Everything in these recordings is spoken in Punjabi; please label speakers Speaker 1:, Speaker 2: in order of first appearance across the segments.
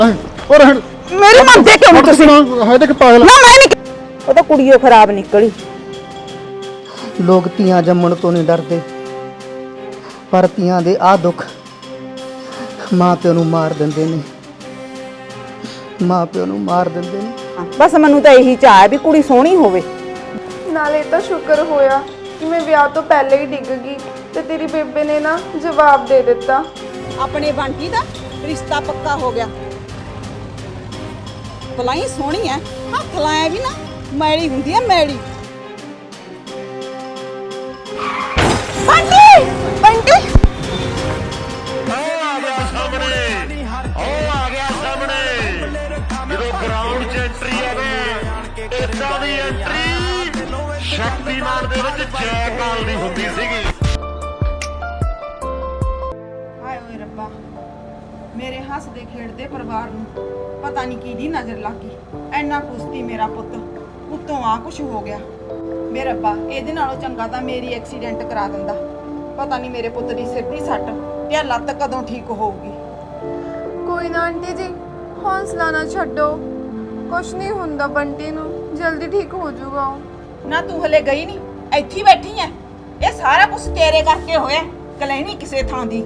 Speaker 1: और
Speaker 2: मेरी मनते क्यों नहीं तुसी?
Speaker 1: है देख पागल
Speaker 2: ना मैं नहीं, वो तो कुड़ियों खराब निकली।
Speaker 3: लोग ਧੀਆਂ जम्मण तो नहीं डरते, पर ਧੀਆਂ ਦੇ ਆ दुख ਮਾਂ ਪਿਓ ਨੂੰ ਮਾਰ ਦਿੰਦੇ ਨੇ, ਮਾਂ ਪਿਓ ਨੂੰ ਮਾਰ ਦਿੰਦੇ ਨੇ।
Speaker 2: बस मैनू तो यही चाह है भी कुड़ी सोहनी होवे।
Speaker 4: ਨਾਲੇ ਤਾਂ ਸ਼ੁਕਰ ਹੋਇਆ ਕਿ ਮੈਂ ਵਿਆਹ ਤੋਂ ਪਹਿਲੇ ਹੀ ਡਿੱਗ ਗਈ ਤੇ ਤੇਰੀ ਬੇਬੇ ਨੇ ਨਾ ਜਵਾਬ ਦੇ ਦਿੱਤਾ।
Speaker 2: अपने बंटी दा रिश्ता पक्का हो गया। भलाई सोहनी है, हथ लाया भी ना मैली हुंदी है मैली। बंटी बंटी
Speaker 5: ਸ਼ਕਤੀਮਾਨ ਦੇ ਵਿੱਚ ਜੈ ਕਾਲ ਦੀ ਹੁੰਦੀ ਸੀਗੀ।
Speaker 6: ਹਾਏ ਓਏ ਰੱਬਾ, ਮੇਰੇ ਹੱਸਦੇ ਖੇਡਦੇ ਪਰਿਵਾਰ ਨੂੰ ਪਤਾ ਨਹੀਂ ਕਿਹਦੀ ਨਜ਼ਰ ਲੱਗ ਗਈ। ਐਨਾ ਕੁਸ਼ਤੀ ਮੇਰਾ ਪੁੱਤ ਉੱਤੋਂ ਆ ਕੁਛ ਹੋ ਗਿਆ। ਮੇਰੇ ਰੱਬਾ, ਇਹਦੇ ਨਾਲੋਂ ਚੰਗਾ ਤਾਂ ਮੇਰੀ ਐਕਸੀਡੈਂਟ ਕਰਾ ਦਿੰਦਾ। ਪਤਾ ਨਹੀਂ ਮੇਰੇ ਪੁੱਤ ਦੀ ਸਿਰ ਦੀ ਸੱਟ ਤੇ ਆਹ ਲੱਤ ਕਦੋਂ ਠੀਕ ਹੋਊਗੀ।
Speaker 4: ਕੋਈ ਨਾ ਆਂਟੀ ਜੀ, ਹੌਸਲਾ ਨਾ ਛੱਡੋ, ਕੁਛ ਨਹੀਂ ਹੁੰਦਾ ਬੰਟੀ ਨੂੰ, ਜਲਦੀ ਠੀਕ ਹੋ ਜਾਊਗਾ ਉਹ।
Speaker 6: ਨਾ ਤੂੰ ਹਲੇ ਗਈ ਨਹੀਂ, ਇੱਥੇ ਹੀ ਬੈਠੀ ਐ। ਇਹ ਸਾਰਾ ਕੁਝ ਤੇਰੇ ਕਰਕੇ ਹੋਇਆ, ਕਲੈਣੀ ਕਿਸੇ ਥਾਂ ਦੀ।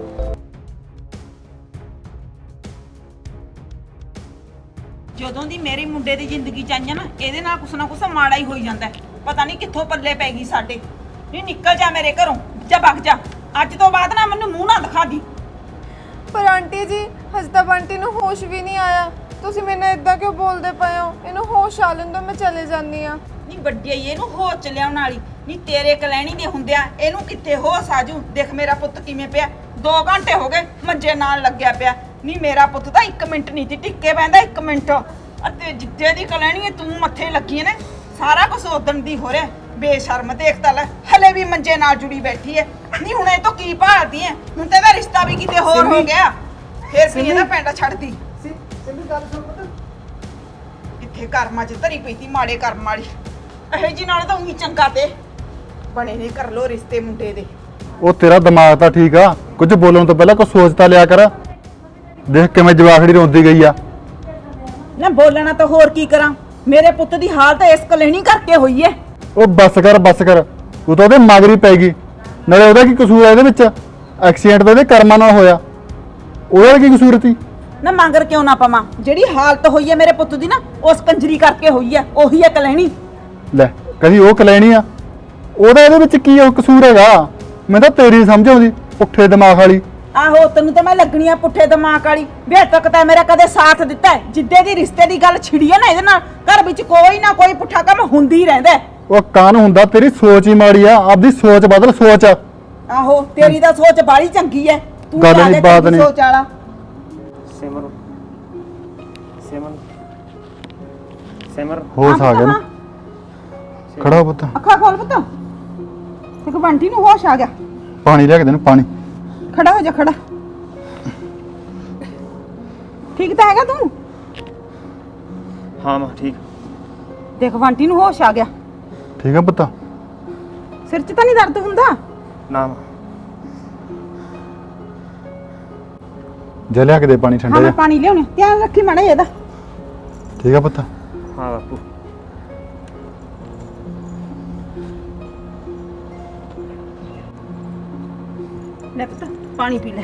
Speaker 6: ਜਦੋਂ ਦੀ ਮੇਰੀ ਮੁੰਡੇ ਦੀ ਜ਼ਿੰਦਗੀ ਚ ਆਈਆਂ ਨਾ, ਇਹਦੇ ਨਾਲ ਕੁਛ ਨਾ ਕੁਛ ਮਾੜਾ ਹੀ ਹੋਈ ਜਾਂਦਾ। ਪਤਾ ਨਹੀਂ ਕਿੱਥੋਂ ਪੱਲੇ ਪੈ ਗਈ ਸਾਡੇ। ਨਹੀਂ ਨਿਕਲ ਜਾ ਮੇਰੇ ਘਰੋਂ, ਜਾ ਭੱਗ ਜਾ। ਅੱਜ ਤੋਂ ਬਾਅਦ ਨਾ ਮੈਨੂੰ ਮੂੰਹ ਨਾ ਦਿਖਾ ਦੀ।
Speaker 4: ਪਰ ਆਂਟੀ ਜੀ, ਹਜੇ ਤਾਂ ਬੰਟੀ ਨੂੰ ਹੋਸ਼ ਵੀ ਨਹੀਂ ਆਇਆ, ਤੁਸੀਂ ਮੈਨੂੰ ਇਦਾਂ ਕਿਉਂ ਬੋਲਦੇ ਪਏ ਹੋ? ਇਹਨੂੰ ਹੋਸ਼ ਆ ਲੈਣ ਦਿਓ, ਮੈਂ ਚਲੇ ਜਾਂਦੀ ਆ।
Speaker 6: ਨਹੀਂ ਵੱਡੀ ਆਈ ਇਹਨੂੰ ਹੋਸ਼ ਚ ਲਿਆਉਣ ਵਾਲੀ ਨਹੀਂ, ਤੇਰੇ ਕਲੈਣੀ ਦੇ ਹੁੰਦਿਆਂ ਇਹਨੂੰ ਕਿੱਥੇ ਹੋਸ਼ ਆਜੂ। ਦੇਖ ਮੇਰਾ ਪੁੱਤ ਕਿਵੇਂ ਪਿਆ, 2 ਘੰਟੇ ਹੋ ਗਏ ਮੰਜੇ ਨਾਲ ਲੱਗਿਆ ਪਿਆ। ਨਹੀਂ ਮੇਰਾ ਪੁੱਤ ਤਾਂ 1 ਮਿੰਟ ਨਹੀਂ ਸੀ ਟਿੱਕੇ ਪੈਂਦਾ, 1 ਮਿੰਟ। ਅਤੇ ਜਿੱਦੇ ਦੀ ਕਲੈਣੀ ਹੈ ਤੂੰ ਮੱਥੇ ਲੱਗੀ ਨੇ, ਸਾਰਾ ਕੁਝ ਉਦਣ ਦੀ ਹੋ ਰਿਹਾ। ਬੇਸ਼ਰਮ ਦੇਖ ਤਾਂ ਲੈ, ਹਲੇ ਵੀ ਮੰਜੇ ਨਾਲ ਜੁੜੀ ਬੈਠੀ ਹੈ। ਨਹੀਂ ਹੁਣ ਇਹ ਤੋਂ ਕੀ ਭਾਲਦੀ ਹੈ? ਹੁਣ ਤਾਂ ਇਹਦਾ ਰਿਸ਼ਤਾ ਵੀ ਕਿਤੇ ਹੋਰ ਹੋ ਗਿਆ, ਫੇਰ ਕੀ ਇਹਦਾ ਪੈਂਡਾ ਛੱਡਦੀ। ਕਿੱਥੇ ਕਰਮਾਂ 'ਚ ਧਰੀ ਪਈ ਤੀ ਮਾੜੇ ਕਰਮ ਵਾਲੀ। ਇਹੋ ਜੀ ਨਾਲ ਤਾਂ ਉਹੀ ਚੰਗਾ ਤੇ ਬਣੇ ਨੇ ਕਰ ਲੋ ਰਿਸ਼ਤੇ ਮੁੰਡੇ ਦੇ।
Speaker 1: ਉਹ ਤੇਰਾ ਦਿਮਾਗ ਤਾਂ ਠੀਕ ਆ, ਕੁਝ ਬੋਲਣ ਤੋਂ ਪਹਿਲਾਂ ਕੁਝ ਸੋਚ ਤਾਂ ਲਿਆ ਕਰ। ਦੇਖ ਕਿਵੇਂ ਜਵਾਖੜੀ ਰੋਂਦੀ ਗਈ ਆ।
Speaker 6: ਨਾ ਬੋਲਣਾ ਤਾਂ ਹੋਰ ਕੀ ਕਰਾਂ, ਮੇਰੇ ਪੁੱਤ ਦੀ ਹਾਲਤ ਇਸ ਕਲੇਣੀ ਕਰਕੇ ਹੋਈ ਐ।
Speaker 1: ਉਹ ਬੱਸ ਕਰ ਬੱਸ ਕਰ, ਤੂੰ ਤਾਂ ਉਹਦੇ ਮਗਰੀ ਪੈ ਗਈ। ਨਾਲੇ ਉਹਦਾ ਕੀ ਕਸੂਰ ਆ ਇਹਦੇ ਵਿੱਚ? ਐਕਸੀਡੈਂਟ ਤਾਂ ਇਹਦੇ ਕਰਮਾਂ ਨਾਲ ਹੋਇਆ, ਉਹਦਾ ਕੀ ਕਸੂਰ ਸੀ?
Speaker 6: ਨਾ ਮੰਗਰ ਕਿਉਂ ਨਾ ਪਵਾਂ, ਜਿਹੜੀ ਹਾਲਤ ਹੋਈ ਐ ਮੇਰੇ ਪੁੱਤ ਦੀ ਨਾ, ਉਸ ਕੰਜਰੀ ਕਰਕੇ ਹੋਈ ਐ। ਉਹੀ ਐ ਕਲੇਣੀ।
Speaker 1: ਲੈ ਕਦੀ ਉਹ ਕਲੈਣੀ ਆ, ਉਹਦਾ ਇਹਦੇ ਵਿੱਚ ਕੀ ਉਹ ਕਸੂਰ ਹੈਗਾ? ਮੈਂ ਤਾਂ ਤੇਰੀ ਸਮਝ ਆਉਂਦੀ ਪੁੱਠੇ ਦਿਮਾਗ ਵਾਲੀ।
Speaker 6: ਆਹੋ ਤੈਨੂੰ ਤਾਂ ਮੈਂ ਲੱਗਣੀ ਆ ਪੁੱਠੇ ਦਿਮਾਗ ਵਾਲੀ। ਵੇ ਤੱਕ ਤਾਂ ਮੇਰਾ ਕਦੇ ਸਾਥ ਦਿੱਤਾ ਹੈ। ਜਿੱਦੇ ਦੀ ਰਿਸ਼ਤੇ ਦੀ ਗੱਲ ਛਿੜੀ ਐ ਨਾ ਇਹਦੇ ਨਾਲ, ਘਰ ਵਿੱਚ ਕੋਈ ਨਾ ਕੋਈ ਪੁੱਠਾ ਕੰਮ ਹੁੰਦੀ ਰਹਿੰਦਾ।
Speaker 1: ਉਹ ਕਾਨ ਹੁੰਦਾ, ਤੇਰੀ ਸੋਚ ਹੀ ਮਾੜੀ ਆ। ਆਪਦੀ ਸੋਚ ਬਦਲ, ਸੋਚ।
Speaker 6: ਆਹੋ ਤੇਰੀ ਤਾਂ ਸੋਚ ਬਾੜੀ ਚੰਗੀ ਐ, ਤੂੰ
Speaker 1: ਗੱਲ
Speaker 6: ਜ਼ਿਆਦੇ
Speaker 1: ਨੀ, ਬਾਤ
Speaker 6: ਚੰਗੀ
Speaker 1: ਨੀ।
Speaker 6: ਸੋਚ ਵਾਲਾ।
Speaker 7: ਸਿਮਰ ਸਿਮਰ ਸਿਮਰ
Speaker 1: ਹੋਸ਼ ਆ ਗਿਆ ਨਾ, ਖੜਾ ਹੋ ਪੁੱਤ।
Speaker 6: ਅੱਖਾਂ ਖੋਲ ਪੁੱਤ, ਇੱਕ ਬੰਟੀ ਨੂੰ ਹੋਸ਼ ਆ ਗਿਆ।
Speaker 1: ਪਾਣੀ ਲਿਆ ਕੇ ਦੇਣ, ਪਾਣੀ।
Speaker 6: ਖੜਾ ਹੋ ਜਾ, ਖੜਾ। ਠੀਕ ਤਾਂ ਹੈਗਾ ਤੂੰ?
Speaker 7: ਹਾਂ ਮਾਂ ਠੀਕ।
Speaker 6: ਦੇਖ ਬੰਟੀ ਨੂੰ ਹੋਸ਼ ਆ ਗਿਆ।
Speaker 1: ਠੀਕ ਆ ਪੁੱਤ?
Speaker 6: ਸਿਰ 'ਚ ਤਾਂ ਨਹੀਂ ਦਰਦ ਹੁੰਦਾ?
Speaker 7: ਨਾ ਮਾਂ।
Speaker 1: ਜਾ ਲਿਆ ਕੇ ਦੇ ਪਾਣੀ ਠੰਡਾ
Speaker 6: ਹਾਂ ਮੈਂ
Speaker 1: ਜਿਹਾ।
Speaker 6: ਪਾਣੀ ਲਿਆਉਣੀ, ਧਿਆਨ ਰੱਖੀ ਮਾੜਾ ਇਹਦਾ।
Speaker 1: ਠੀਕ ਆ ਪੁੱਤ?
Speaker 7: ਹਾਂ ਬਾਪੂ।
Speaker 6: ਲੈ ਪੁੱਤ ਪਾਣੀ ਪੀ ਲੈ।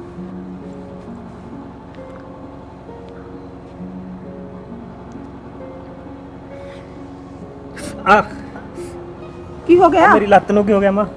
Speaker 7: ਆ
Speaker 6: ਕੀ ਹੋ ਗਿਆ?
Speaker 7: ਮੇਰੀ ਲੱਤ ਨੂੰ ਕੀ ਹੋ ਗਿਆ ਮਾਂ?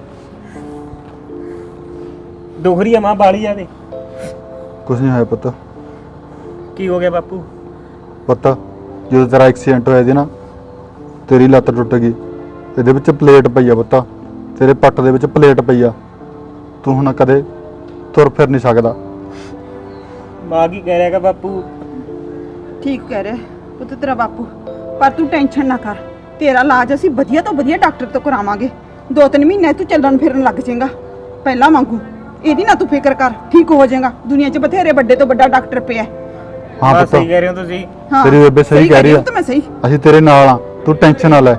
Speaker 7: ਦੁਖਰੀ ਆ ਮਾਂ, ਬਾਲੀ ਆ ਦੇ।
Speaker 1: ਕੁਛ ਨਹੀਂ ਹੋਇਆ ਪੁੱਤ।
Speaker 7: ਕੀ ਹੋ ਗਿਆ ਬਾਪੂ?
Speaker 1: ਪੁੱਤ ਜਦੋਂ ਤੇਰਾ ਐਕਸੀਡੈਂਟ ਹੋਇਆ ਸੀ ਨਾ, ਤੇਰੀ ਲੱਤ ਟੁੱਟ ਗਈ। ਇਹਦੇ ਵਿੱਚ ਪਲੇਟ ਪਈ ਆ ਪੁੱਤ, ਤੇਰੇ ਪੱਟ ਦੇ ਵਿੱਚ ਪਲੇਟ ਪਈ ਆ। ਤੂੰ ਹੁਣ ਕਦੇ ਤੁਰ ਫਿਰ ਨਹੀਂ ਸਕਦਾ।
Speaker 7: ਮਾਂ ਕੀ ਕਹਿ ਰਿਹਾਗਾ ਬਾਪੂ?
Speaker 6: ਠੀਕ ਕਹਿ ਰਿਹਾ ਪੁੱਤ ਤੇਰਾ ਬਾਪੂ, ਪਰ ਤੂੰ ਟੈਨਸ਼ਨ ਨਾ ਕਰ। ਤੇਰਾ ਇਲਾਜ ਅਸੀਂ ਵਧੀਆ ਤੋਂ ਵਧੀਆ ਡਾਕਟਰ ਤੋਂ ਕਰਾਵਾਂਗੇ। 2-3 ਮਹੀਨੇ ਤੂੰ ਚੱਲਣ ਫਿਰਨ ਲੱਗ ਜਾਏਗਾ ਪਹਿਲਾਂ ਵਾਂਗੂ। ਇਹਦੀ ਨਾ ਤੂੰ ਫਿਕਰ ਕਰ, ਠੀਕ ਹੋ ਜਾਏਗਾ। ਦੁਨੀਆ 'ਚ ਬਥੇਰੇ ਵੱਡੇ ਤੋਂ ਵੱਡਾ ਡਾਕਟਰ ਪਿਆ।
Speaker 1: ਹਾਂ ਪੁੱਤ,
Speaker 7: ਸਹੀ ਕਹਿ ਰਹੇ ਹੋ ਤੁਸੀਂ।
Speaker 6: ਹਾਂ
Speaker 1: ਤੇਰੀ ਬੇਬੇ ਸਹੀ ਕਹਿ ਰਹੀ ਆ।
Speaker 6: ਤਾਂ ਮੈਂ ਸਹੀ।
Speaker 1: ਅਸੀਂ ਤੇਰੇ ਨਾਲ ਆ, ਤੂੰ ਟੈਨਸ਼ਨ ਨਾ ਲੈ।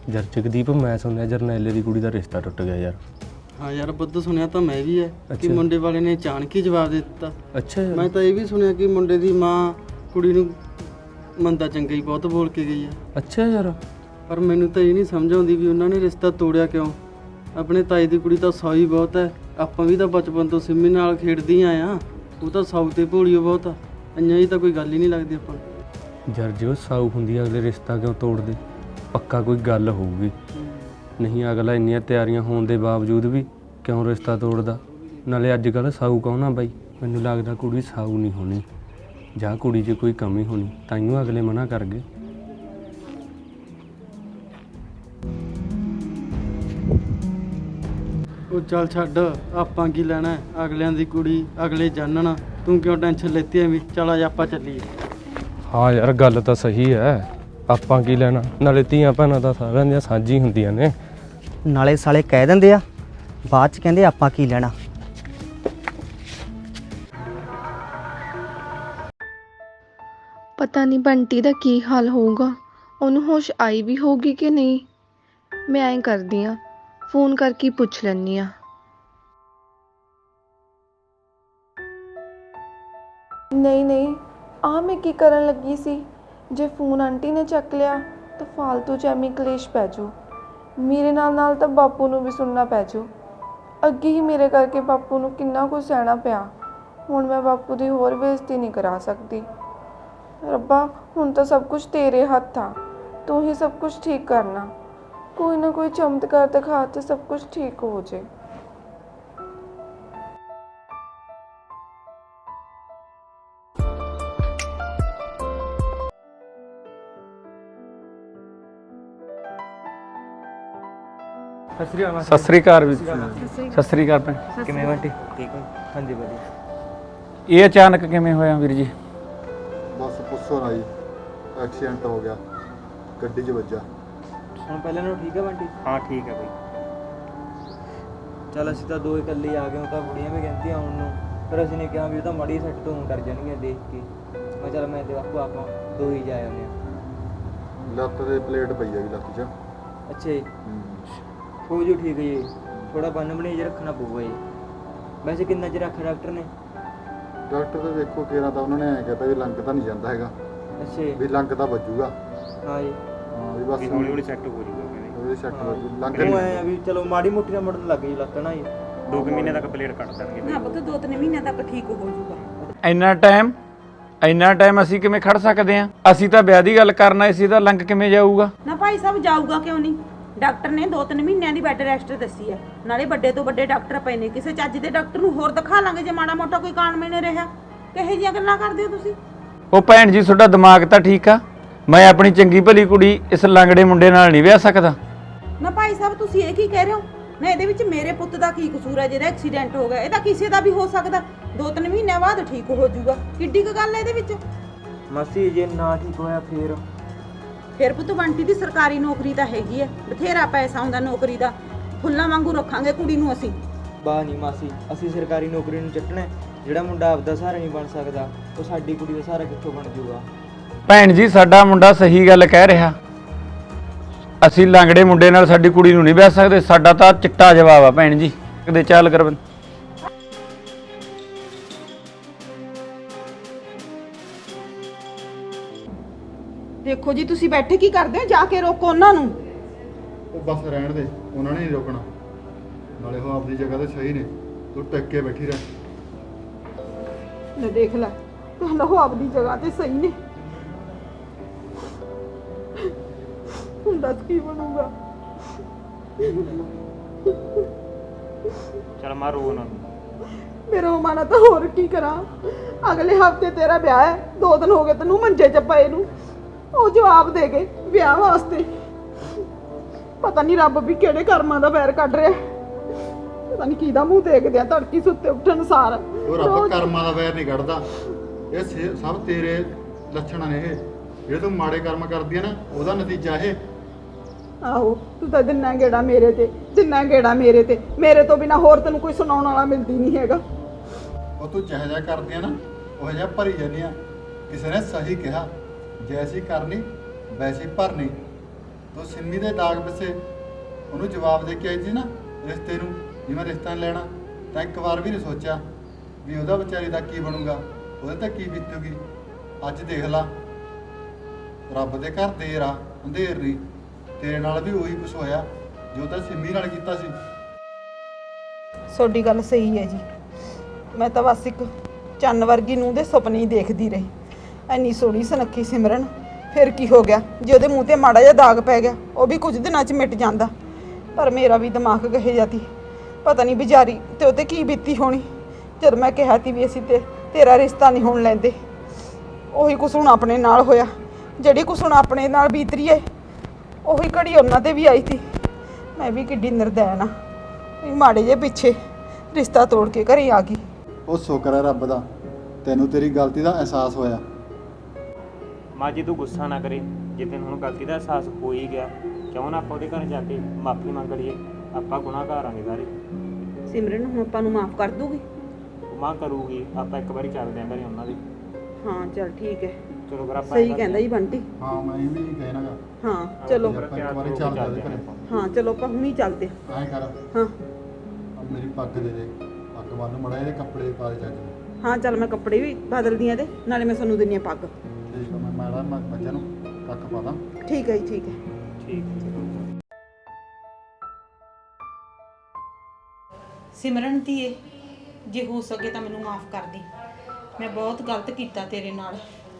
Speaker 8: ਯਾਰ ਜਗਦੀਪ ਮੈਂ ਸੁਣਿਆ ਜਰਨੈਲੇ ਦੀ ਕੁੜੀ ਦਾ ਰਿਸ਼ਤਾ ਟੁੱਟ ਗਿਆ ਯਾਰ।
Speaker 9: ਹਾਂ ਯਾਰ ਬੁੱਧ ਸੁਣਿਆ ਤਾਂ ਮੈਂ ਵੀ ਹੈ ਕਿ
Speaker 8: ਅੱਛਾ।
Speaker 9: ਮੁੰਡੇ ਵਾਲੇ ਨੇ ਅਚਾਨਕ ਹੀ ਜਵਾਬ ਦੇ ਦਿੱਤਾ।
Speaker 8: ਅੱਛਾ ਯਾਰ।
Speaker 9: ਮੈਂ ਤਾਂ ਇਹ ਵੀ ਸੁਣਿਆ ਕਿ ਮੁੰਡੇ ਦੀ ਮਾਂ ਕੁੜੀ ਨੂੰ ਮੰਦਾ ਚੰਗਾ ਹੀ ਬਹੁਤ ਬੋਲ ਕੇ ਗਈ ਹੈ।
Speaker 8: ਅੱਛਾ ਯਾਰ।
Speaker 9: ਪਰ ਮੈਨੂੰ ਤਾਂ ਇਹ ਨਹੀਂ ਸਮਝ ਆਉਂਦੀ ਵੀ ਉਹਨਾਂ ਨੇ ਰਿਸ਼ਤਾ ਤੋੜਿਆ ਕਿਉਂ। ਆਪਣੇ ਤਾਏ ਦੀ ਕੁੜੀ ਤਾਂ ਸੌ ਹੀ ਬਹੁਤ ਹੈ। ਆਪਾਂ ਵੀ ਤਾਂ ਬਚਪਨ ਤੋਂ ਸਿੰਮੀ ਨਾਲ ਖੇਡਦੇ ਹੀ ਆਏ ਆ। ਉਹ ਤਾਂ ਸੌ ਤੇ ਭੋਲੀਓ ਬਹੁਤ ਆ। ਇੰਨਾ ਹੀ ਤਾਂ ਕੋਈ ਗੱਲ ਹੀ ਨਹੀਂ ਲੱਗਦੀ ਆਪਾਂ ਨੂੰ।
Speaker 8: ਯਾਰ ਜੇ ਉਹ ਸਾਊ ਹੁੰਦੀ ਆ, ਅਗਲੇ ਰਿਸ਼ਤਾ ਕਿਉਂ ਤੋੜਦੇ? ਪੱਕਾ ਕੋਈ ਗੱਲ ਹੋਊਗੀ, ਨਹੀਂ ਅਗਲਾ ਇੰਨੀਆਂ ਤਿਆਰੀਆਂ ਹੋਣ ਦੇ ਬਾਵਜੂਦ ਵੀ ਕਿਉਂ ਰਿਸ਼ਤਾ ਤੋੜਦਾ? ਨਾਲੇ ਅੱਜ ਕੱਲ੍ਹ ਸਾਊ ਕੌਣ ਆ ਬਾਈ? ਮੈਨੂੰ ਲੱਗਦਾ ਕੁੜੀ ਸਾਊ ਨਹੀਂ ਹੋਣੀ, ਜਾਂ ਕੁੜੀ 'ਚ ਕੋਈ ਕਮੀ ਹੋਣੀ, ਤਾਈਓ ਅਗਲੇ ਮਨਾ ਕਰ ਗਏ।
Speaker 9: ਉਹ ਚੱਲ ਛੱਡ, ਆਪਾਂ ਕੀ ਲੈਣਾ ਹੈ? ਅਗਲਿਆਂ ਦੀ ਕੁੜੀ ਅਗਲੇ ਜਾਣਨ। ਤੂੰ ਕਿਉਂ ਟੈਨਸ਼ਨ ਲੈਤੀ ਐਵੇਂ? ਚਲ ਅੱਜ ਆਪਾਂ ਚੱਲੀਏ।
Speaker 8: ਹਾਂ ਯਾਰ ਗੱਲ ਤਾਂ ਸਹੀ ਹੈ, ਆਪਾਂ ਕੀ ਲੈਣਾ? ਨਾਲੇ ਧੀਆਂ ਭੈਣਾਂ ਤਾਂ ਸਾਰਿਆਂ ਦੀਆਂ ਸਾਂਝੀ ਹੁੰਦੀਆਂ ਨੇ।
Speaker 3: ਨਾਲੇ ਸਾਲੇ ਕਹਿ ਦਿੰਦੇ ਆ, ਬਾਅਦ ਚ ਕਹਿੰਦੇ ਆਪਾਂ ਕੀ ਲੈਣਾ।
Speaker 10: ਪਤਾ ਨਹੀਂ ਬੰਟੀ ਦਾ ਕੀ ਹਾਲ ਹੋਊਗਾ, ਉਹਨੂੰ ਹੋਸ਼ ਆਈ ਵੀ ਹੋਊਗੀ ਕਿ ਨਹੀਂ। ਮੈਂ ਐਂ ਕਰਦੀ ਆ, ਫੋਨ ਕਰਕੇ ਪੁੱਛ ਲੈਂਦੀ ਆ।
Speaker 4: ਨਹੀਂ ਆ ਮੈਂ ਕੀ ਕਰਨ ਲੱਗੀ ਸੀ? ਜੇ ਫੋਨ ਆਂਟੀ ਨੇ ਚੱਕ ਲਿਆ ਤਾਂ ਫालतू ਚ ਐਵੇਂ ਕਲੇਸ਼ ਪੈ ਜਾਊ। ਮੇਰੇ ਨਾਲ ਤਾਂ ਬਾਪੂ ਨੂੰ ਵੀ ਸੁਣਨਾ ਪੈ ਜਾਊ। ਅੱਗੇ ਹੀ ਮੇਰੇ ਕਰਕੇ ਬਾਪੂ ਨੂੰ ਕਿੰਨਾ ਕੁਝ ਸਹਿਣਾ ਪਿਆ। ਹੁਣ ਮੈਂ ਬਾਪੂ ਦੀ ਹੋਰ ਬੇਇੱਜ਼ਤੀ ਨਹੀਂ ਕਰਾ ਸਕਦੀ। ਰੱਬਾ, ਹੁਣ ਤਾਂ ਸਭ ਕੁਝ ਤੇਰੇ ਹੱਥ ਆ। ਤੂੰ ਹੀ ਸਭ ਕੁਝ ਠੀਕ ਕਰਨਾ। ਕੋਈ ਨਾ ਕੋਈ ਚਮਤਕਾਰ ਦਿਖਾ ਤੇ ਸਭ ਕੁਝ ਠੀਕ ਹੋ ਜਾਏ।
Speaker 11: ਸਤਿ ਸ੍ਰੀ ਅਕਾਲ ਵੀ ਸਤਿ ਸ੍ਰੀ ਅਕਾਲ ਭੈਣ।
Speaker 7: ਕਿਵੇਂ ਬੰਟੀ? ਠੀਕ ਹੋ? ਹਾਂਜੀ ਵਧੀਆ।
Speaker 11: ਇਹ ਅਚਾਨਕ ਕਿਵੇਂ ਹੋਇਆ ਵੀਰ ਜੀ?
Speaker 1: ਬਸ ਪੁੱਛੋ ਨਾ ਜੀ, ਐਕਸੀਡੈਂਟ ਹੋ ਗਿਆ, ਗੱਡੀ 'ਚ ਵੱਜਾ।
Speaker 9: ਹੁਣ ਪਹਿਲਾਂ ਨਾਲੋਂ ਠੀਕ ਹੈ ਬੰਟੀ?
Speaker 7: ਹਾਂ ਠੀਕ ਹੈ ਬਈ।
Speaker 9: ਚੱਲ ਅਸੀਂ ਤਾਂ ਦੋ ਇਕੱਲੇ ਆ ਗਏ। ਉਹ ਤਾਂ ਬੁੜੀਆਂ ਵੀ ਕਹਿੰਦੀਆਂ ਆਉਣ ਨੂੰ, ਪਰ ਅਸੀਂ ਨੇ ਕਿਹਾ ਵੀ ਉਹ ਤਾਂ ਮਾੜੀ ਸੱਟ ਤੋਂ ਕਰ ਜਾਣਗੀਆਂ ਦੇਖ ਕੇ। ਮੈਂ ਚੱਲ ਮੈਂ ਤੇ ਬਾਪੂ ਆਪਾਂ ਦੋ ਹੀ ਜਾ ਆਉਂਦੇ ਹਾਂ।
Speaker 1: ਲੱਤ ਦੇ ਪਲੇਟ ਪਈ ਹੈਗੀ ਲੱਤ 'ਚ।
Speaker 9: ਅੱਛਾ ਜੀ, ਹੋ ਜੂ ਠੀਕ ਹੈ ਜੀ। ਥੋੜਾ ਬੰਨ ਬਣੀ ਜੇ ਰੱਖਣਾ ਪਊਗਾ ਜੀ। ਵੈਸੇ ਕਿੰਨਾ ਚਿਰ ਰੱਖਿਆ ਡਾਕਟਰ ਨੇ?
Speaker 1: ਡਾਕਟਰ ਤਾਂ ਦੇਖੋ ਕਿਹੜਾ ਤਾਂ ਉਹਨਾਂ ਨੇ ਐਂ ਕਹਿਤਾ ਵੀ ਲੰਘ ਤਾਂ ਨਹੀਂ ਜਾਂਦਾ ਹੈਗਾ,
Speaker 9: ਅੱਛਾ ਜੀ।
Speaker 1: ਵੀ ਲੰਘ ਤਾਂ ਵੱਜੂਗਾ।
Speaker 9: ਹਾਂ ਜੀ।
Speaker 1: ਹਾਂ ਵੀ ਬਸ
Speaker 7: ਹੌਲੀ ਹੌਲੀ ਸੈੱਟ ਹੋ ਜੂਗਾ ਕਹਿੰਦੇ।
Speaker 1: ਉਹਦੇ ਸੱਟ ਵੱਜੂ, ਲੰਘ
Speaker 9: ਉਹ
Speaker 1: ਨਹੀਂ
Speaker 9: ਐਂ ਆ ਵੀ ਚਲੋ ਮਾੜੀ ਮੋਟੀ ਨਾਲ ਮੁੜਨ ਲੱਗ ਗਈ ਲੱਤ ਨਾ ਜੀ।
Speaker 7: 2 ਮਹੀਨੇ ਤੱਕ ਪਲੇਟ ਕੱਟ ਦੇਣਗੇ ਬਈ।
Speaker 6: ਨਾ ਪੁੱਤ 2-3 ਮਹੀਨਿਆਂ ਤੱਕ ਠੀਕ ਹੋ ਜਾਊਗਾ।
Speaker 11: ਇੰਨਾ ਟਾਈਮ ਅਸੀਂ ਕਿਵੇਂ ਖੜ ਸਕਦੇ ਆਂ? ਅਸੀਂ ਤਾਂ ਵਿਆਹ ਦੀ ਗੱਲ ਕਰਨਾ, ਇਸੇ ਦਾ ਲੰਘ ਕਿਵੇਂ ਜਾਊਗਾ?
Speaker 6: ਨਾ ਭਾਈ ਸਾਹਿਬ ਜਾਊਗਾ ਕਿਉਂ ਨਹੀਂ? ਡਾਕਟਰ ਨੇ 2-3 ਮਹੀਨਿਆਂ ਦੀ ਬੈੱਡ ਰੈਸਟ ਦੱਸੀ ਹੈ। ਨਾਲੇ ਵੱਡੇ ਤੋਂ ਵੱਡੇ ਡਾਕਟਰ ਪਏ ਨੇ, ਕਿਸੇ ਚੱਜ ਦੇ ਡਾਕਟਰ ਨੂੰ ਹੋਰ ਦਿਖਾ ਲਾਂਗੇ ਜੇ ਮਾੜਾ ਮੋਟਾ ਕੋਈ ਕਾਰਨ ਮੈਨੇ ਰਿਹਾ। ਕਿਹੋ ਜਿਹੀਆਂ ਗੱਲਾਂ ਕਰਦੇ ਹੋ ਤੁਸੀਂ?
Speaker 11: ਉਹ ਭੈਣ ਜੀ ਤੁਹਾਡਾ ਦਿਮਾਗ ਤਾਂ ਠੀਕ ਆ। ਮੈਂ ਆਪਣੀ ਚੰਗੀ ਭਲੀ ਕੁੜੀ ਇਸ ਲੰਗੜੇ ਮੁੰਡੇ ਨਾਲ ਨਹੀਂ ਵਿਆਹ ਸਕਦਾ।
Speaker 6: ਨਾ ਭਾਈ ਸਾਹਿਬ ਤੁਸੀਂ ਇਹ ਕੀ ਕਹਿ ਰਹੇ ਹੋ? ਨਾ ਇਹਦੇ ਵਿੱਚ ਮੇਰੇ ਪੁੱਤ ਦਾ ਕੀ ਕਸੂਰ ਹੈ ਜਿਹਦਾ ਐਕਸੀਡੈਂਟ ਹੋ ਗਿਆ? ਇਹ ਤਾਂ ਕਿਸੇ ਦਾ ਵੀ ਹੋ ਸਕਦਾ। 2-3 ਮਹੀਨਿਆਂ ਬਾਅਦ ਠੀਕ ਹੋ ਜਾਊਗਾ। ਕਿੱਡੀ ਕੁ ਗੱਲ ਹੈ ਇਹਦੇ ਵਿੱਚ?
Speaker 9: ਮਾਸੀ ਜੇ ਨਾ ਠੀਕ ਹੋਇਆ
Speaker 6: ਫਿਰ ਪੁੱਤ ਬੰਟੀ ਦੀ ਸਰਕਾਰੀ ਨੌਕਰੀ ਤਾਂ ਹੈਗੀ ਹੈ, ਬਥੇਰਾ ਪੈਸਾ ਹੁੰਦਾ ਨੌਕਰੀ ਦਾ। ਫੁੱਲਾਂ ਵਾਂਗੂ ਰੱਖਾਂਗੇ ਕੁੜੀ ਨੂੰ ਅਸੀਂ।
Speaker 9: ਬਾਹ ਨਹੀਂ ਮਾਸੀ, ਅਸੀਂ ਸਰਕਾਰੀ ਨੌਕਰੀ ਨੂੰ ਚੱਟਣਾ। ਜਿਹੜਾ ਮੁੰਡਾ ਆਪਦਾ ਸਹਾਰਾ ਨਹੀਂ ਬਣ ਸਕਦਾ, ਉਹ ਸਾਡੀ ਕੁੜੀ ਦਾ ਸਹਾਰਾ ਕਿੱਥੋਂ ਬਣ ਜਾਊਗਾ?
Speaker 11: ਭੈਣ ਜੀ ਸਾਡਾ ਮੁੰਡਾ ਸਹੀ ਗੱਲ ਕਹਿ ਰਿਹਾ। ਅਸੀਂ ਲੰਗੜੇ ਮੁੰਡੇ ਨਾਲ ਸਾਡੀ ਕੁੜੀ ਨੂੰ ਨਹੀਂ ਵਿਆਹ ਸਕਦੇ। ਸਾਡਾ ਤਾਂ ਚਿੱਟਾ ਜਵਾਬ ਆ ਭੈਣ ਜੀ। ਕਦੇ ਚੱਲ ਕਰ
Speaker 6: ਦੇਖੋ ਜੀ, ਤੁਸੀਂ ਬੈਠੇ ਕੀ ਕਰਦੇ ਹੋ? ਜਾ ਕੇ ਰੋਕੋ ਉਹਨਾਂ ਨੂੰ।
Speaker 1: ਉਹ ਬਸ ਰਹਿਣ ਦੇ, ਉਹਨਾਂ ਨੇ ਨਹੀਂ ਰੋਕਣਾ। ਨਾਲੇ ਉਹ ਆਪਦੀ ਜਗ੍ਹਾ ਤੇ ਸਹੀ ਨੇ, ਤੂੰ ਟਿਕ ਕੇ ਬੈਠੀ ਰਹਿ।
Speaker 6: ਲੈ ਦੇਖ ਲੈ, ਪਹਿਲਾਂ ਉਹ ਆਪਦੀ ਜਗ੍ਹਾ ਤੇ ਸਹੀ ਨੇ। ਹੁਣ ਦੱਸ ਕੀ ਬਣੂਗਾ?
Speaker 7: ਚਲ ਮਾਰ ਰੋ ਨਾ।
Speaker 6: ਮੇਰਾ ਮਨ ਤਾਂ ਹੋਰ ਕੀ ਕਰਾਂ? ਅਗਲੇ ਹਫਤੇ ਤੇਰਾ ਵਿਆਹ ਹੈ। 2 ਦਿਨ ਹੋ ਗਏ ਤੈਨੂੰ ਮੰਜੇ 'ਚ ਪਏ ਨੂੰ। ਉਹ ਜਵਾਬ ਦੇ ਗਏ ਵਿਆਹ ਵਾਸਤੇ। ਪਤਾ ਨਹੀਂ ਰੱਬ ਵੀ ਕਿਹੜੇ ਕਰਮਾਂ ਦਾ ਵੈਰ ਕੱਢ ਰਿਹਾ। ਪਤਾ ਨਹੀਂ ਕਿਹਦਾ ਮੂੰਹ ਦੇਖਦੇ ਆ ਤੜਕੀ ਸੁੱਤੇ ਉੱਠਣ ਸਾਰ।
Speaker 1: ਉਹ ਰੱਬ ਕਰਮਾਂ ਦਾ ਵੈਰ ਨਹੀਂ ਕੱਢਦਾ। ਇਹ ਸਭ ਤੇਰੇ ਲੱਛਣ ਨੇ। ਇਹ ਜਿਹੜੇ ਤੂੰ ਮਾੜੇ ਕਰਮ ਕਰਦੀ ਆ ਨਾ, ਉਹਦਾ ਨਤੀਜਾ ਇਹ।
Speaker 6: ਆਹੋ, ਤੂੰ ਤਾਂ ਦਿਨਾਂ ਗੇੜਾ ਮੇਰੇ ਤੇ, ਦਿਨਾਂ ਗੇੜਾ ਮੇਰੇ ਤੇ। ਮੇਰੇ ਤੋਂ ਬਿਨਾ ਹੋਰ ਤੈਨੂੰ ਕੋਈ ਸੁਣਾਉਣ ਵਾਲਾ ਮਿਲਦੀ ਨਹੀਂ ਹੈਗਾ।
Speaker 1: ਉਹ ਤੂੰ ਜਿਹੋ ਜਿਹਾ ਕਰਦੀ ਆ ਨਾ, ਉਹ ਜਿਹਾ ਭਰੀ ਜਾਂਦੀ ਆ। ਕਿਸੇ ਨੇ ਸਹੀ ਕਿਹਾ, ਜੈਸੀ ਕਰਨੀ ਵੈਸੀ ਭਰਨੀ। ਤੂੰ ਸਿੰਮੀ ਦੇ ਦਾਗ ਪਿੱਛੇ ਉਹਨੂੰ ਜਵਾਬ ਦੇ ਕੇ ਆਈ ਸੀ ਨਾ ਰਿਸ਼ਤੇ ਨੂੰ, ਜਿਵੇਂ ਰਿਸ਼ਤਾ ਨਹੀਂ ਲੈਣਾ, ਤਾਂ ਇੱਕ ਵਾਰ ਵੀ ਨਹੀਂ ਸੋਚਿਆ ਵੀ ਉਹਦਾ ਵਿਚਾਰੀ ਦਾ ਕੀ ਬਣੂਗਾ, ਉਹਦੇ ਤਾਂ ਕੀ ਬੀਤੂਗੀ। ਅੱਜ ਦੇਖ ਲਾ, ਰੱਬ ਦੇ ਘਰ ਦੇਰ ਆ ਅੰਧੇਰ ਨਹੀਂ, ਤੇਰੇ ਨਾਲ ਵੀ ਉਹੀ ਕੁਛ ਹੋਇਆ ਜੋ ਤਾਂ ਸਿੰਮੀ ਨਾਲ ਕੀਤਾ ਸੀ।
Speaker 2: ਤੁਹਾਡੀ ਗੱਲ ਸਹੀ ਹੈ ਜੀ। ਮੈਂ ਤਾਂ ਬਸ ਇੱਕ ਚੰਨ ਵਰਗੀ ਨੂੰਹ ਦੇ ਸੁਪਨੇ ਹੀ ਦੇਖਦੀ ਰਹੀ। ਇੰਨੀ ਸੋਹਣੀ ਸੁਨੱਖੀ ਸਿਮਰਨ, ਫਿਰ ਕੀ ਹੋ ਗਿਆ ਜੇ ਉਹਦੇ ਮੂੰਹ ਤੇ ਮਾੜਾ ਜਿਹਾ ਦਾਗ ਪੈ ਗਿਆ, ਉਹ ਵੀ ਕੁਝ ਦਿਨਾਂ 'ਚ ਮਿਟ ਜਾਂਦਾ। ਪਰ ਮੇਰਾ ਵੀ ਦਿਮਾਗ ਕਹੇ ਜਾਂਦੀ, ਪਤਾ ਨਹੀਂ ਵਿਚਾਰੀ ਤੇ ਉਹ 'ਤੇ ਕੀ ਬੀਤੀ ਹੋਣੀ। ਜਦ ਮੈਂ ਕਿਹਾ ਤੀ ਵੀ ਅਸੀਂ ਤੇਰਾ ਰਿਸ਼ਤਾ ਨਹੀਂ ਹੋਣ ਲੈਂਦੇ, ਉਹੀ ਕੁਛ ਹੁਣ ਆਪਣੇ ਨਾਲ ਹੋਇਆ। ਜਿਹੜੀ ਕੁਛ ਹੁਣ ਆਪਣੇ ਨਾਲ ਬੀਤ ਰਹੀ ਹੈ, ਉਹੀ ਘੜੀ ਉਹਨਾਂ 'ਤੇ ਵੀ ਆਈ ਸੀ। ਮੈਂ ਵੀ ਕਿੱਡੀ ਨਿਰਦੈਨ ਆ, ਵੀ ਮਾੜੇ ਜਿਹੇ ਪਿੱਛੇ ਰਿਸ਼ਤਾ ਤੋੜ ਕੇ ਘਰੇ ਆ ਗਈ।
Speaker 1: ਉਹ ਸ਼ੁਕਰ ਹੈ ਰੱਬ ਦਾ, ਤੈਨੂੰ ਤੇਰੀ ਗਲਤੀ ਦਾ ਅਹਿਸਾਸ ਹੋਇਆ।
Speaker 7: ਮਾਂ ਜੀ ਤੂੰ ਗੁੱਸਾ ਨਾ ਕਰੇ, ਜੇ ਤੈਨੂੰ ਹੁਣ ਗਲਤੀ ਦਾ ਅਹਿਸਾਸ ਹੋ ਹੀ ਗਿਆ, ਕਿਉਂ ਨਾ ਆਪਾਂ ਉਹਦੇ ਘਰ ਜਾ ਕੇ ਮਾਫੀ ਮੰਗ ਲਈਏ। ਆਪਾਂ ਗੁਨਾਹਗਾਰ ਆਂਗੇ ਸਾਰੇ।
Speaker 2: ਸਿਮਰਨ ਹੁਣ ਆਪਾਂ ਨੂੰ ਮਾਫ ਕਰ ਦੂਗੀ?
Speaker 7: ਮਾਂ ਕਰੂਗੀ, ਆਪਾਂ ਇੱਕ ਵਾਰੀ ਚੱਲਦੇ ਆਂ ਘਰੇ ਉਹਨਾਂ ਦੇ।
Speaker 2: ਹਾਂ ਚਲ ਠੀਕ ਹੈ,
Speaker 7: ਚਲੋ ਫਿਰ ਆਪਾਂ
Speaker 2: ਸਹੀ ਕਹਿੰਦਾ ਜੀ ਬੰਟੀ।
Speaker 1: ਹਾਂ ਮੈਂ ਵੀ ਕਹਿਣਾਗਾ।
Speaker 2: ਹਾਂ ਚਲੋ,
Speaker 1: ਆਪਾਂ ਇੱਕ ਵਾਰੀ ਚੱਲਦੇ ਉਹਦੇ ਘਰੇ।
Speaker 2: ਹਾਂ ਚਲੋ ਆਪਾਂ ਹੁਣੀ ਚੱਲਦੇ
Speaker 1: ਐਂ ਕਰ,
Speaker 2: ਹਾਂ।
Speaker 1: ਮੇਰੀ ਪੱਗ ਦੇ ਦੇ, ਪੱਗ ਬੰਨ ਮੜਾ, ਇਹਦੇ ਕੱਪੜੇ ਪਾ ਦੇ ਚੱਜ।
Speaker 2: ਹਾਂ ਚੱਲ ਮੈਂ ਕੱਪੜੇ ਵੀ ਬਦਲਦੀ ਆ ਤੇ ਨਾਲੇ ਮੈਂ ਤੁਹਾਨੂੰ ਦਿੰਨੀ ਆ ਪੱਗ।
Speaker 1: ਠੀਕ ਆ, ਮੈਂ ਬੱਚਿਆਂ ਨੂੰ ਕੱਖ ਪਾ ਦਾਂ।
Speaker 2: ਠੀਕ ਹੈ ਜੀ, ਠੀਕ ਹੈ।
Speaker 7: ਠੀਕ।
Speaker 6: ਸਿਮਰਨ ਧੀਏ, ਜੇ ਹੋ ਸਕੇ ਤਾਂ ਮੈਨੂੰ ਮਾਫ ਕਰ ਦੀ। ਮੈਂ ਬਹੁਤ ਗਲਤ ਕੀਤਾ ਤੇਰੇ ਨਾਲ।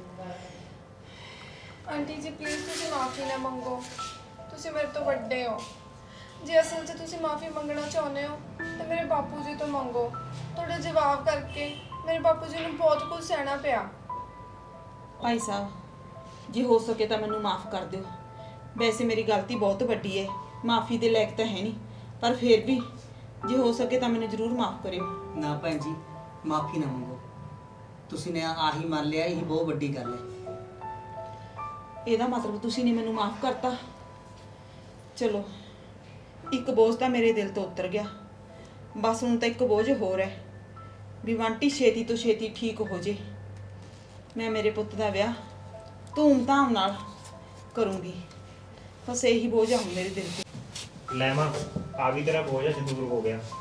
Speaker 4: ਆਂਟੀ ਜੀ ਪਲੀਜ਼ ਤੁਸੀਂ ਮਾਫੀ ਨਾ ਮੰਗੋ, ਤੁਸੀਂ ਮੇਰੇ ਤੋਂ ਵੱਡੇ ਹੋ। ਜੇ ਅਸਲ 'ਚ ਤੁਸੀਂ ਮਾਫੀ ਮੰਗਣਾ ਚਾਹੁੰਦੇ ਹੋ ਤਾਂ ਮੇਰੇ ਬਾਪੂ ਜੀ ਤੋਂ ਮੰਗੋ। ਤੁਹਾਡੇ ਜਵਾਬ ਕਰਕੇ ਮੇਰੇ ਬਾਪੂ ਜੀ ਨੂੰ ਬਹੁਤ ਕੁਝ ਸਹਿਣਾ ਪਿਆ।
Speaker 6: ਭਾਈ ਸਾਹਿਬ, ਜੇ ਹੋ ਸਕੇ ਤਾਂ ਮੈਨੂੰ ਮਾਫ ਕਰ ਦਿਓ। ਵੈਸੇ ਮੇਰੀ ਗਲਤੀ ਬਹੁਤ ਵੱਡੀ ਹੈ, ਮਾਫੀ ਦੇ ਲਾਇਕ ਤਾਂ ਹੈ ਨਹੀਂ, ਪਰ ਫਿਰ ਵੀ ਜੇ ਹੋ ਸਕੇ ਤਾਂ ਮੈਨੂੰ ਜ਼ਰੂਰ ਮਾਫ ਕਰਿਓ।
Speaker 3: ਨਾ ਭੈਣ ਜੀ, ਮਾਫੀ ਨਾ ਮੰਗੋ। ਤੁਸੀਂ ਨੇ ਆਹੀ ਮੰਨ ਲਿਆ, ਇਹੀ ਬਹੁਤ ਵੱਡੀ ਗੱਲ ਹੈ।
Speaker 6: ਇਹਦਾ ਮਤਲਬ ਤੁਸੀਂ ਨੇ ਮੈਨੂੰ ਮਾਫ ਕਰਤਾ। ਚਲੋ, ਇੱਕ ਬੋਝ ਤਾਂ ਮੇਰੇ ਦਿਲ ਤੋਂ ਉਤਰ ਗਿਆ। ਬਸ ਹੁਣ ਤਾਂ ਇੱਕ ਬੋਝ ਹੋਰ ਹੈ ਵੀ ਬੰਟੀ ਛੇਤੀ ਤੋਂ ਛੇਤੀ ਠੀਕ ਹੋ ਜੇ। ਮੈਂ ਮੇਰੇ ਪੁੱਤ ਦਾ ਵਿਆਹ ਧੂਮ-ਧਾਮ ਨਾਲ ਕਰੂੰਗੀ। ਬਸ ਇਹੀ ਬੋਝ ਆ ਹੁਣ ਮੇਰੇ ਦਿਲ ਤੇ।
Speaker 7: ਲੈ ਮਾਂ, ਆ ਵੀ ਤੇਰਾ ਬੋਝ ਅੱਜ ਦੂਰ ਹੋ ਗਿਆ।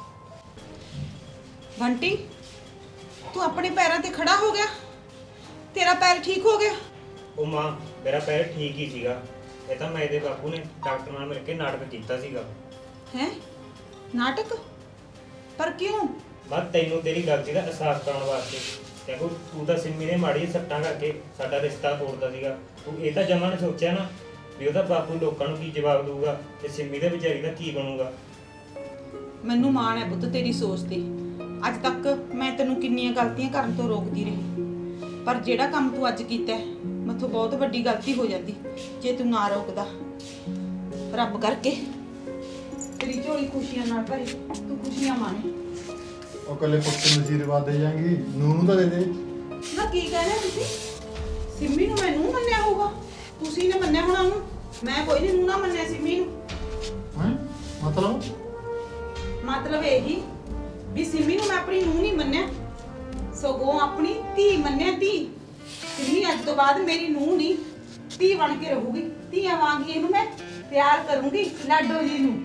Speaker 6: ਬੰਟੀ, ਤੂੰ ਆਪਣੇ ਪੈਰਾਂ ਤੇ ਖੜਾ ਹੋ ਗਿਆ? ਤੇਰਾ ਪੈਰ ਠੀਕ ਹੋ ਗਿਆ?
Speaker 7: ਉਹ ਮਾਂ, ਮੇਰਾ ਪੈਰ ਠੀਕ ਹੀ ਸੀਗਾ। ਇਹ ਤਾਂ ਮੈਂ ਇਹਦੇ ਬਾਪੂ ਨੇ ਡਾਕਟਰ ਨਾਲ ਮਿਲ ਕੇ ਨਾਟਕ ਕੀਤਾ ਸੀਗਾ।
Speaker 6: ਹੈ ਨਾਟਕ? ਪਰ ਕਿਉਂ?
Speaker 7: ਬਸ ਤੈਨੂੰ ਤੇਰੀ ਗਲਤੀ ਦਾ ਅਹਿਸਾਸ ਕਰਾਉਣ ਵਾਸਤੇ। ਦੇਖੋ, ਤੂੰ ਤਾਂ ਸਿੰਮੀ ਨੇ ਮਾੜੀ ਜਿਹੀ ਸੱਟਾਂ ਕਰਕੇ ਸਾਡਾ ਰਿਸ਼ਤਾ ਤੋੜਦਾ ਸੀਗਾ। ਤੂੰ ਇਹ ਤਾਂ ਜਮਾਂ ਨੇ ਸੋਚਿਆ ਨਾ ਵੀ ਉਹਦਾ ਬਾਪੂ ਲੋਕਾਂ ਨੂੰ ਕੀ ਜਵਾਬ ਦਊਗਾ ਤੇ ਸਿੰਮੀ ਦੇ ਵਿਚਾਰੀ ਦਾ ਕੀ ਬਣੂਗਾ।
Speaker 6: ਮੈਨੂੰ ਮਾਣ ਹੈ ਪੁੱਤ ਤੇਰੀ ਸੋਚ ਤੇ। ਅੱਜ ਤੱਕ ਮੈਂ ਤੈਨੂੰ ਕਿੰਨੀਆਂ ਗਲਤੀਆਂ ਕਰਨ ਤੋਂ ਰੋਕਦੀ ਰਹੀ, ਪਰ ਜਿਹੜਾ ਕੰਮ ਤੂੰ ਅੱਜ ਕੀਤਾ ਹੈ, ਮੈਥੋਂ ਬਹੁਤ ਵੱਡੀ ਗਲਤੀ ਹੋ ਜਾਂਦੀ ਜੇ ਤੂੰ ਨਾ ਰੋਕਦਾ। ਰੱਬ ਕਰਕੇ ਤੇਰੀ ਝੋਲੀ ਖੁਸ਼ੀਆਂ ਨਾਲ ਭਰੇ, ਤੂੰ ਖੁਸ਼ੀਆਂ ਮਾਣੇ।
Speaker 1: ਉਹ ਕੱਲੇ ਪੁੱਤ ਨੂੰ ਆਸ਼ੀਰਵਾਦ ਦੇ ਜਾਂਗੀ, ਨੂੰ ਤਾਂ ਦੇ ਦੇ।
Speaker 6: ਨਾ ਕੀ ਕਹਿੰਦੇ ਤੁਸੀਂ? ਸਿੰਮੀ ਨੂੰ ਮੈਂ ਨੂੰ ਮੰਨਿਆ ਹੋਊਗਾ? ਤੁਸੀਂ ਨੇ ਮੰਨਿਆ ਹੋਣਾ ਉਹਨੂੰ। ਮੈਂ ਕੋਈ ਨਹੀਂ ਨੂੰ ਨਾ ਮੰਨਿਆ ਸਿੰਮੀ ਨੂੰ।
Speaker 1: ਹੈਂ?
Speaker 6: ਮਤਲਬ ਇਹੀ ਵੀ ਸਿੰਮੀ ਨੂੰ ਮੈਂ ਆਪਣੀ ਨੂੰ ਨਹੀਂ ਮੰਨਿਆ, ਸਗੋਂ ਆਪਣੀ ਧੀ ਮੰਨਿਆ। ਧੀ ਸਿੰਮੀ ਅੱਜ ਤੋਂ ਬਾਅਦ ਮੇਰੀ ਨੂੰ ਨਹੀਂ, ਧੀ ਬਣ ਕੇ ਰਹੂਗੀ। ਧੀਆਂ ਵਾਂਗੀ ਇਹਨੂੰ ਮੈਂ ਪਿਆਰ ਕਰੂੰਗੀ, ਲਾਡੋ ਜੀ ਨੂੰ।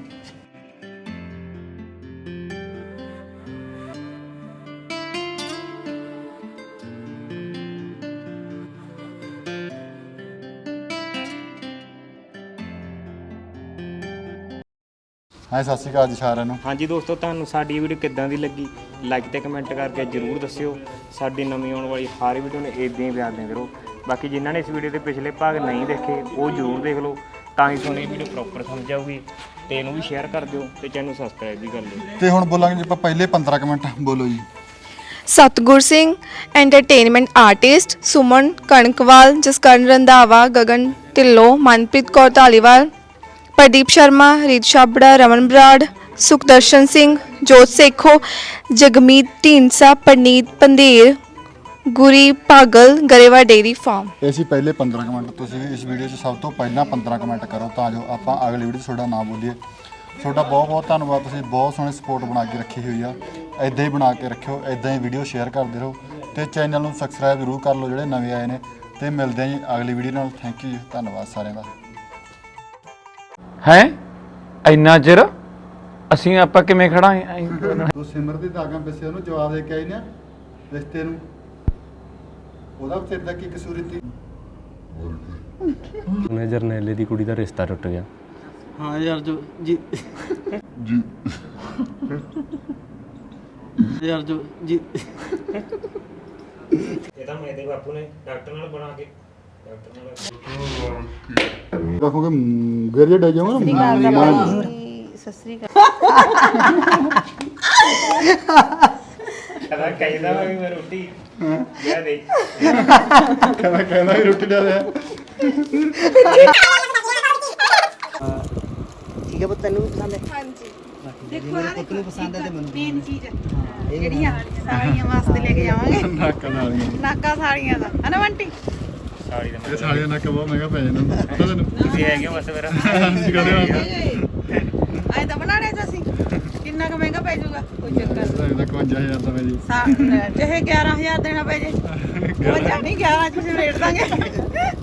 Speaker 1: ਹਾਂ, ਸਤਿ ਸ਼੍ਰੀ ਅਕਾਲ ਜੀ ਸਾਰਿਆਂ ਨੂੰ।
Speaker 7: ਹਾਂਜੀ ਦੋਸਤੋ, ਤੁਹਾਨੂੰ ਸਾਡੀ ਵੀਡੀਓ ਕਿੱਦਾਂ ਦੀ ਲੱਗੀ, ਲਾਈਕ ਤੇ ਕਮੈਂਟ ਕਰਕੇ ਜ਼ਰੂਰ ਦੱਸਿਓ। ਸਾਡੀ ਨਵੀਂ ਆਉਣ ਵਾਲੀ ਹਰ ਵੀਡੀਓ ਨੂੰ ਇਦਾਂ ਹੀ ਪਿਆਰ ਦਿੰਦੇ ਰਹੋ। ਬਾਕੀ ਜਿਨ੍ਹਾਂ ਨੇ ਇਸ ਵੀਡੀਓ ਦੇ ਪਿਛਲੇ ਭਾਗ ਨਹੀਂ ਦੇਖੇ, ਉਹ ਜ਼ਰੂਰ ਦੇਖ ਲਓ, ਤਾਂ ਹੀ ਤੁਹਾਨੂੰ ਇਹ ਵੀਡੀਓ ਪ੍ਰੋਪਰ ਸਮਝ ਆਊਗੀ। ਤੇ ਇਹਨੂੰ ਵੀ ਸ਼ੇਅਰ ਕਰ ਦਿਓ ਤੇ ਚੈਨਲ ਸਬਸਕ੍ਰਾਈਬ ਵੀ ਕਰ ਲਿਓ।
Speaker 1: ਤੇ ਹੁਣ ਬੋਲਾਂਗੇ ਜੀ ਆਪਾਂ ਪਹਿਲੇ 15 ਕੁ ਮਿੰਟ। ਬੋਲੋ ਜੀ।
Speaker 10: ਸਤਗੁਰ ਸਿੰਘ ਐਂਟਰਟੇਨਮੈਂਟ ਆਰਟਿਸਟ, ਸੁਮਨ ਕਣਕਵਾਲ, ਜਸਕਰਨ ਰੰਧਾਵਾ, ਗਗਨ ਢਿੱਲੋਂ, ਮਨਪ੍ਰੀਤ ਕੌਰ ਧਾਲੀਵਾਲ, प्रदीप शर्मा, रीत छाबड़ा, रमन बराड़, सुखदर्शन सिंह, जोत सेखो, जगमीत ढींडसा, परनीत पंधेर, गुरी पागल, गरेवा डेयरी फार्म।
Speaker 1: ਇਹ ਸੀ ਪਹਿਲੇ 15 ਕੁ ਮਿੰਟ। ਤੁਸੀਂ ਵੀ ਇਸ ਵੀਡੀਓ 'ਚ ਸਭ ਤੋਂ ਪਹਿਲਾਂ 15 ਕੁ ਮਿੰਟ ਕਰੋ ਤਾਂ ਜੋ ਆਪਾਂ ਅਗਲੀ ਵੀਡੀਓ 'ਚ ਤੁਹਾਡਾ ਨਾਮ ਬੋਲੀਏ। ਤੁਹਾਡਾ ਬਹੁਤ ਬਹੁਤ ਧੰਨਵਾਦ। ਤੁਸੀਂ ਬਹੁਤ ਸੋਹਣੀ ਸਪੋਰਟ ਬਣਾ ਕੇ ਰੱਖੀ ਹੋਈ ਆ। ਇੱਦਾਂ ਹੀ ਬਣਾ ਕੇ ਰੱਖਿਓ, ਇੱਦਾਂ ਹੀ ਵੀਡੀਓ ਸ਼ੇਅਰ ਕਰਦੇ ਰਹੋ ਤੇ ਚੈਨਲ ਨੂੰ ਸਬਸਕ੍ਰਾਈਬ ਜ਼ਰੂਰ ਕਰ ਲਓ ਜਿਹੜੇ ਨਵੇਂ ਆਏ ਨੇ। ਤੇ ਮਿਲਦੇ ਹਾਂ ਜੀ ਅਗਲੀ ਵੀਡੀਓ ਨਾਲ। ਥੈਂਕ ਯੂ ਜੀ, ਧੰਨਵਾਦ ਸਾਰਿਆਂ ਦਾ।
Speaker 11: ਹੈ ਇੰਨਾ ਚਿਰ ਅਸੀਂ ਆਪਾਂ ਕਿਵੇਂ ਖੜਾਂਗੇ
Speaker 1: ਤੂੰ ਸਿਮਰ ਦੀ ਦਾਗਾਂ ਪਿੱਛੇ ਉਹਨੂੰ ਜਵਾਬ ਦੇ ਕੇ ਆਈ ਨਾ ਰਿਸ਼ਤੇ ਨੂੰ, ਉਹਦਾ ਤੇਰੇ ਦਾ ਕੀ ਕਸੂਰ ਸੀ?
Speaker 8: ਉਹਨੇ ਜਰਨੈਲੇ ਦੀ ਕੁੜੀ ਦਾ ਰਿਸ਼ਤਾ ਟੁੱਟ ਗਿਆ।
Speaker 9: ਹਾਂ ਯਾਰ ਜੋ ਜੀ ਯਾਰ ਜੋ ਜੀ
Speaker 7: ਇਹ ਤਾਂ ਮੇਰੇ ਬਾਪੂ ਨੇ ਡਾਕਟਰ ਨਾਲ ਬਣਾ ਕੇ
Speaker 1: ਰੱਖੋਗੇ ਗਿਰ ਜੇ ਡੇ ਜਾਊਗਾ ਨਾ।
Speaker 2: ਸਸਰੀ
Speaker 7: ਕਹਿੰਦਾ ਕਹਿੰਦਾ ਵੀ ਮੈਂ ਰੋਟੀ ਲਿਆ ਦੇ
Speaker 1: ਕਹਿੰਦਾ ਵੀ ਰੋਟੀ ਲਿਆ ਦੇ।
Speaker 3: ਠੀਕ ਹੈ ਪੁੱਤ, ਤੈਨੂੰ ਵੀ ਪਸੰਦ ਹੈ?
Speaker 6: ਹਾਂਜੀ
Speaker 3: ਦੇਖੋ ਮੇਰੇ ਪੁੱਤ ਨੂੰ ਪਸੰਦ ਹੈ ਤੇ ਮੈਨੂੰ
Speaker 6: ਮੇਨ ਚੀਜ਼ ਜਿਹੜੀਆਂ ਸਾੜੀਆਂ ਵਾਸਤੇ ਲੈ ਕੇ ਜਾਵਾਂਗੇ
Speaker 1: ਨਾਕਾਂ ਨਾਲੀਆਂ
Speaker 6: ਨਾਕਾ ਸਾੜੀਆਂ ਦਾ ਹਨਾ ਬੰਟੀ
Speaker 7: ਸਾੜੀ ਦਾ
Speaker 1: ਇਹ ਸਾਲੀਆਂ ਨਾਕਾਂ ਬਹੁਤ ਮਹਿੰਗਾ ਪੈ ਜਾਂਦਾ ਪਤਾ ਤੈਨੂੰ?
Speaker 7: ਤੁਸੀਂ ਹੈਗੇ ਹੋ ਬਸ ਮੇਰਾ
Speaker 6: ਆਏ ਤਾਂ ਬਣਾਣੇ ਚ ਅਸੀਂ ਕਿੰਨਾ ਕੁ ਮਹਿੰਗਾ ਪੈ ਜਾਊਗਾ ਕੋਈ ਚੱਕਰ
Speaker 1: ਇਹਦਾ 51000 ਦਾ ਮੇਰੀ
Speaker 6: ਚਾਹੇ 11000 ਦੇਣਾ ਪੈ ਜੇ ਉਹ ਜਾਣੀ 11 ਚ ਅਸੀਂ ਰੇਟ ਦਾਂਗੇ